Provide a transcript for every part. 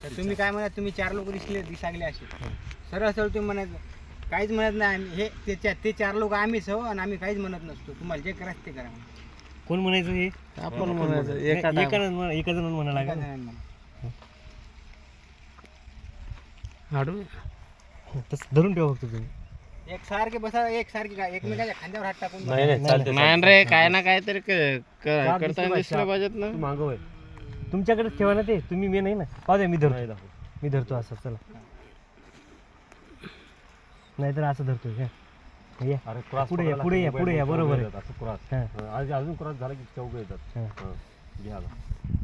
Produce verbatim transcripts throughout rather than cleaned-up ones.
तर तुम्ही काय म्हणा, तुम्ही चार लोक दिसले दिसागले असे सरळ सरळ तुम्ही म्हणायचं काहीच म्हणत नाही आम्ही हे ते ते चार लोक आम्हीच हो आणि आम्ही काहीच म्हणत नसतो. तुम्हाला जे करायचं ते करा म्हणा. कोण म्हणायचं हे आपण म्हणायचं एका एका जण एका जण म्हणायला एका लागेल. जणांना म्हणा. हाडू तसं धरून ठेवा फक्त तुम्ही. एक सारखे बसा एक सारखे काय एकमेकाच्या खांद्यावर हात टाकून बसा. नाही नाही चालते नाही रे काय ना काहीतरी क- क- चार करता दिसले दिसलं पाहिजे. पाहिजेत ना. मागं होय तुमच्याकडेच ठेवा ना ते. तुम्ही मी नाही ना पाहू द्या मी धरतो मी धरतो असं चला नाहीतर असं धरतो का या अरे क्रॉस पुढे या पुढे या पुढे या बरोबर आहे. असं क्रॉस हां आज अजून क्रॉस झाला की चौघ येतात. हां हं. घ्या आता.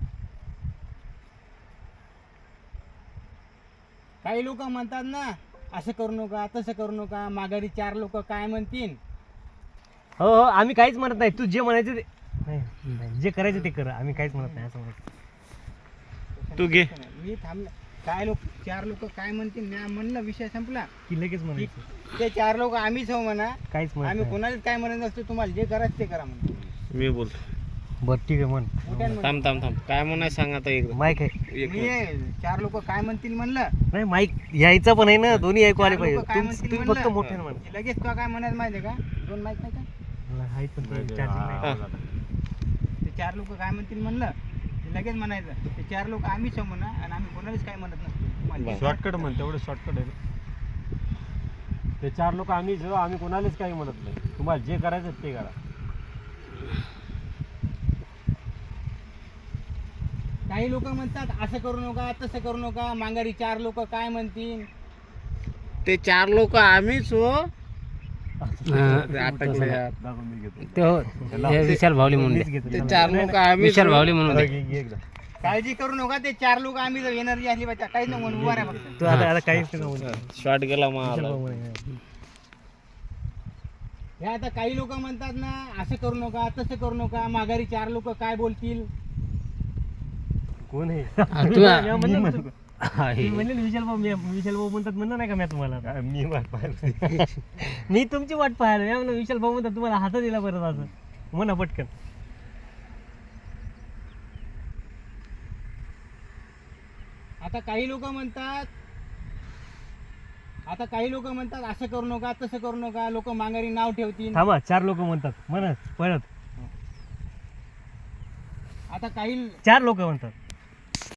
काही लोक म्हणतात ना असं करू नका तसं करू नका माघारी चार लोक काय म्हणतील. हो हो आम्ही काहीच म्हणत नाही. तू जे म्हणायचं ते नाही, नाही, जे करायचं ते कर. आम्ही काहीच म्हणत नाही असं म्हणत तू घे. मी थांबलं काय लोक चार लोक काय म्हणतील मी म्हणलं विषय संपला की लगेच म्हणायचं ते चार लोक आम्हीच हो म्हणा. काहीच म्हणत आम्ही नाही. कोणालाच काय म्हणत नसतो. तुम्हाला जे करायचं ते करा म्हणतो. मी बोलतो. बरं ठीक आहे म्हण मोठ्यानं म्हणतो. थांब थांब थांब काय म्हणाय सांग आता एकदा. माईक आहे एक मी मिनिट. चार लोक काय म्हणतील म्हणलं नाही माईक यायचं पण आहे ना दोन्ही ऐकू आले चार पाहिजे. लोकं काय तुम- म्हणतील तुम्ही म्हणलं? फक्त मोठ्यानं म्हण. की लगेच तो काय म्हणायचं माहिती आहे का दोन माहित नाही का आहे पण नाही, charging नाही. हा, आता. ते चार लोक काय म्हणतील म्हणलं की लगेच म्हणायचं ते चार लोक आम्हीच हो म्हणा आणि आम्ही कोणालाच काय म्हणत नसतो. तुम्हाला जे शॉर्टकट म्हण तेवढं शॉर्टकट आहे ना. ते चार लोक आम्ही जो आम्ही कोणालाच काही म्हणत नाही. तुम्हाला जे करायचं ते करा. काही लोक म्हणतात असं करू नका तसं करू नका माघारी चार लोक काय म्हणतील. ते चार लोक आम्हीच हो. ते अटकले यार. दाखवून मी घेतो. ते हो हे विशाल भावली म्हणून मीच दे. घेतो. ते चला. चार लोक आम्हीच विशाल हो. भावली म्हणून घे, दे. घे एकदा. काळजी करू नका ते चार लोक आम्ही जर एनर्जी असली पाहिजे काहीच नको म्हणून उभा राहा फक्त. तू आता आता काहीच नका बोलू. शॉर्ट गेला विशाल मला. भाऊ म्हणे. हे आता काही लोक म्हणतात ना असं करू नका तसं करू नका माघारी चार लोक काय बोलतील. कोण आहे हा, तू मी म्हणलं ना तू- हा, हे. तुम्ही म्हणले ना विशाल भाऊ मी विशाल भाऊ म्हणतात म्हणलं नाही का मी तुम्हाला काय मी वाट पाहिलं. मी तुमची वाट पाहायला मी म्हणलं विशाल भाऊ म्हणतात तुम्हाला हातात दिला परत असं म्हणा पटकन. आता काही लोक म्हणतात आता काही लोक म्हणतात असं करू नका तसं करू नका लोक माघारी नाव ठेवतील. थांबा चार लोक म्हणतात म्हणत परत आता काही चार लोक म्हणतात